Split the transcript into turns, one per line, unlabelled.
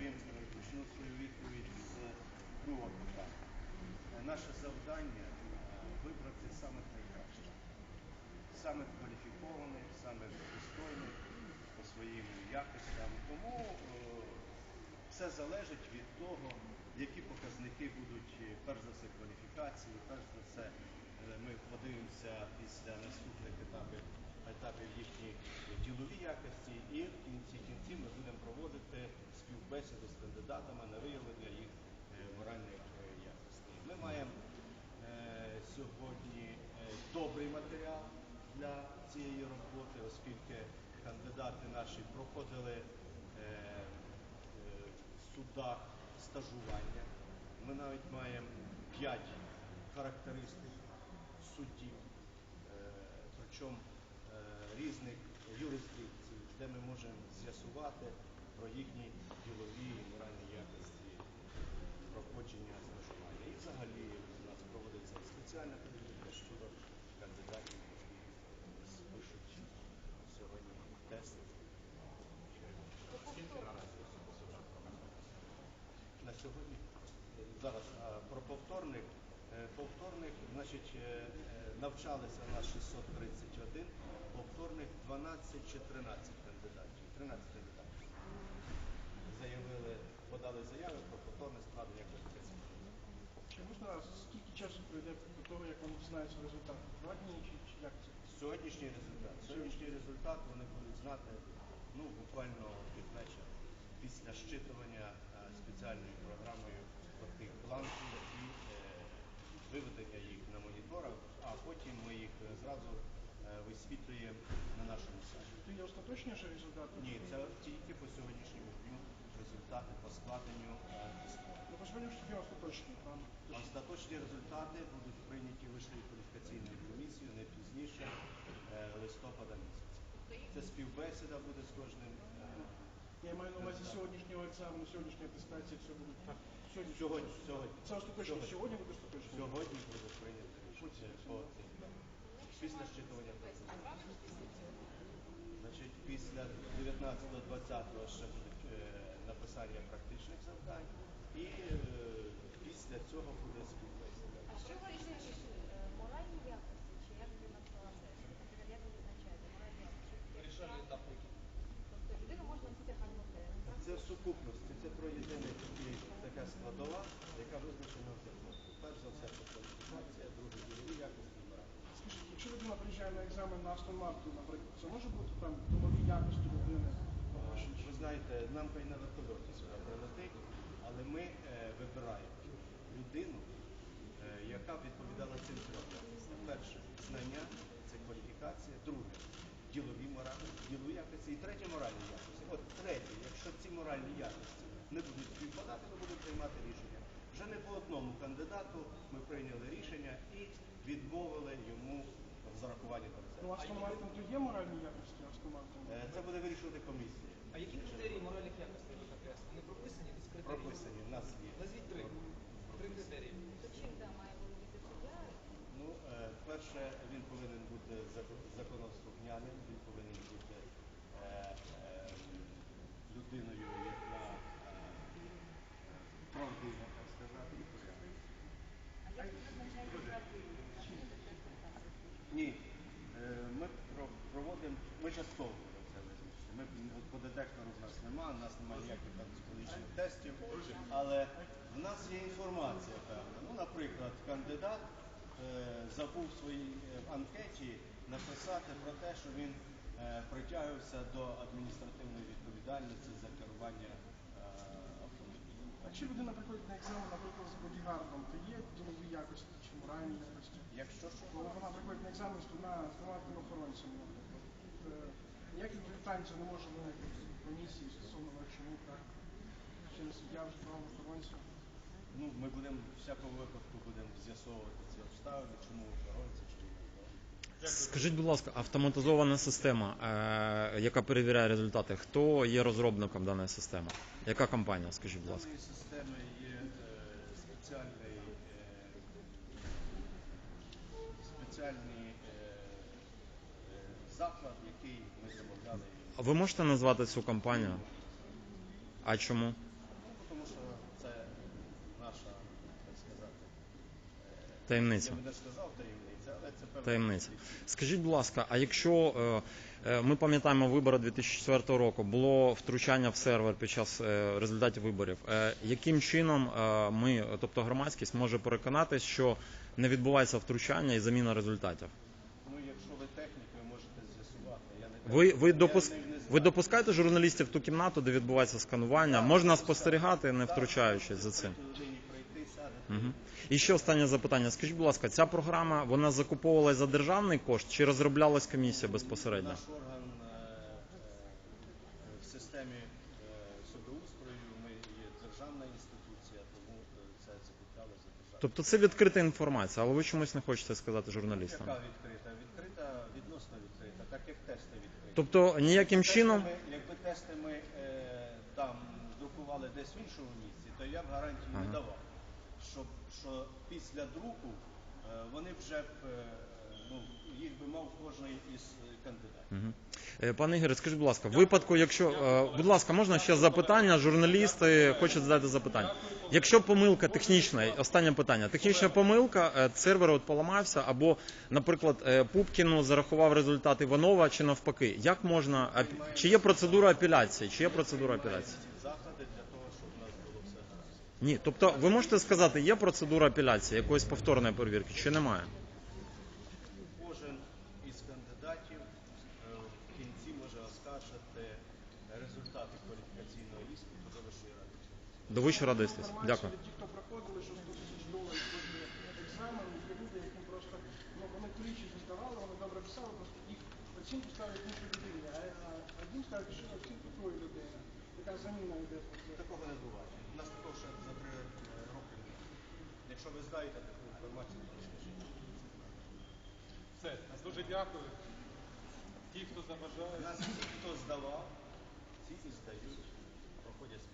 почну свою відповідь з другого питання. Наше завдання вибрати самих найкращих, самих кваліфікованих, самих достойних по своїм якостям. Тому все залежить від того, які показники будуть, перш за все, кваліфікації, перш за все, ми подивимося після наступних етапів їхніх ділові якості, і в кінці ми будемо проводити співбесіду з кандидатами на виявлення їх моральних якостей. Ми маємо сьогодні добрий матеріал для цієї роботи, оскільки кандидати наші проходили в судах стажування. Ми навіть маємо 5 характеристик суддів, причому різних юрисдикцій, де ми можемо з'ясувати про їхні ділові і моральні якості проходження стажування. І взагалі у нас проводиться спеціальна перевірка щодо кандидатів, які спишуть сьогодні тест. На сьогодні, зараз, про повторних, значить, навчалися у нас 631, повторних 12 чи 13 кандидатів, 13 кандидатів. Подали заяви про повторне складення кваліфікаційних.
Чи можна, скільки часу пройде до того, як вони дізнаються результат? 2 дні чи як це?
Сьогоднішній результат вони будуть знати буквально під вечір, після щитування спеціальною програмою тих бланків і виведення їх на моніторах, а потім ми їх зразу висвітлюємо на нашому сайті.
Це є остаточні вже результати?
Ні, це тільки по сьогоднішньому дню результати по складенню тесту.
По сьогоднішньому дню остаточні, правильно?
Остаточні результати будуть прийняті Вищою кваліфікаційною комісією не пізніше листопада місяця. Це співбесіда буде з кожним.
Я маю на увазі сьогоднішнього екзамену, сьогоднішньої атестації, все буде так.
Сьогодні.
Це остаточно. Сьогодні буде остаточно?
Сьогодні буде прийнято рішення по цим. Після щитування. Значить, після 19-20 ще буде написання практичних завдань і після цього буде співбесіда.
А що визначить моральні якості, чи як ви назвали це? Як ви визначаєте моральні якості?
Вирішальний етап.
Тобто людину можна стягнути?
Це в сукупності, це троєдина така складова, яка визначена в законі. Перш за все, це кваліфікація, друге ділові якості і моральні.
Скажіть, якщо людина приїжджає на екзамен на Астон Мартін, наприклад, це може бути там ділові якості людини?
Ви знаєте, нам хай на вертольоті сюди прилетить, але ми вибираємо людину, яка відповідала цим трьом якостям. Перше, знання, це кваліфікація. Друге, ділові якості. І третє, моральні якості. От третє, якщо ці моральні якості не будуть співпадати, ми будемо приймати рішення. Вже не по одному кандидату ми прийняли рішення і відмовили йому в зарахуванні до резерву.
Ну, Астон Мартін то є моральні якості Астон Мартін?
Це буде вирішувати комісія.
А які критерії моральних якостей ви закреслили? Вони прописані? Десь критерії?
Прописані, в нас є.
Назвіть 3. 3 критерії.
То чим має володіти суддя?
Перше, він повинен бути законослухняним, він повинен бути людиною, яка правдива, так сказати, і порядна.
А як ви визначаєте правдивість?
Ні, ми проводимо, ми частково це визначити. По детектору в нас немає, у нас немає ніяких психологічних тестів, але в нас є інформація певна. Наприклад, кандидат забув в своїй анкеті написати про те, що він притягувався до адміністративної відповідальності за керування автомобілем.
А чи людина приходить на екзамен, наприклад, з бодігардом, то є ділові якості чи моральні якості?
Якщо що?
Коли вона приходить на екзамен з двома охоронцями, наприклад, ніяких питань це не може виникнути в комісії стосовно чому так? Чи не суддя вже два охоронця?
Ми будемо в всякому випадку з'ясовувати ці обставини, чому охоронці, чому не охоронці.
Скажіть, будь ласка, автоматизована система, яка перевіряє результати, хто є розробником даної системи? Яка компанія, скажіть, будь ласка?
В даної системи є спеціальний заклад, який ми замовляли.
А ви можете назвати цю компанію? А чому? Таємниця.
Я би не сказав таємниця, але це певна
Таємниця. Скажіть, будь ласка, а якщо ми пам'ятаємо вибори 2004 року, було втручання в сервер під час результатів виборів, яким чином ми, тобто громадськість, може переконатись, що не відбувається втручання і заміна результатів?
Ну, якщо ви технік, ви можете з'ясувати.
Ви допускаєте журналістів в ту кімнату, де відбувається сканування? Можна спостерігати, не втручаючись за цим? Угу. І ще останнє запитання. Скажіть, будь ласка, ця програма, вона закуповувалась за державний кошт чи розроблялась комісія безпосередньо?
Наш орган в системі судоустрою, ми є державна інституція, тому це закуплялося за державний.
Тобто це відкрита інформація, але ви чомусь не хочете сказати журналістам?
Яка відкрита? Відкрита, відносно відкрита, так як тести відкриті.
Тобто ніяким чином...
Якби тести ми там друкували десь в іншому місці, то я б гарантії не давав. Що після друку вони вже б, їх би мав кожен із кандидатів.
Пане Ігоре, скажіть, будь ласка, в випадку, якщо, будь ласка, можна ще запитання, журналісти хочуть задати запитання. Якщо помилка технічна, останнє питання, технічна помилка, сервер от поламався, або, наприклад, Пупкіну зарахував результат Іванова, чи навпаки, як можна, чи є процедура апеляції,
Заходи для того, щоб у нас було все гаразд.
Ні, тобто ви можете сказати, є процедура апеляції, якоїсь повторної перевірки, чи немає?
Кожен із кандидатів в кінці може оскаржити результати кваліфікаційного іспиту до Вищої ради юстиції.
До Вищої ради юстиції. Дякую.
Ті, хто проходили, що $100 000 коштує екзамен, є люди, які просто, вони тричі здавали, вони добре писали, просто їх оцінку ставлять іншій людині, а один ставить ще оцінку тої людини, яка заміна йде.
Такого не буває. У нас такого ще за 3 роки не було. Якщо ви знаєте таку інформацію, то скажіть.
Все, дуже дякую. Ті, хто
У
заважає.
нас ті, хто здавав, ці і здають, проходять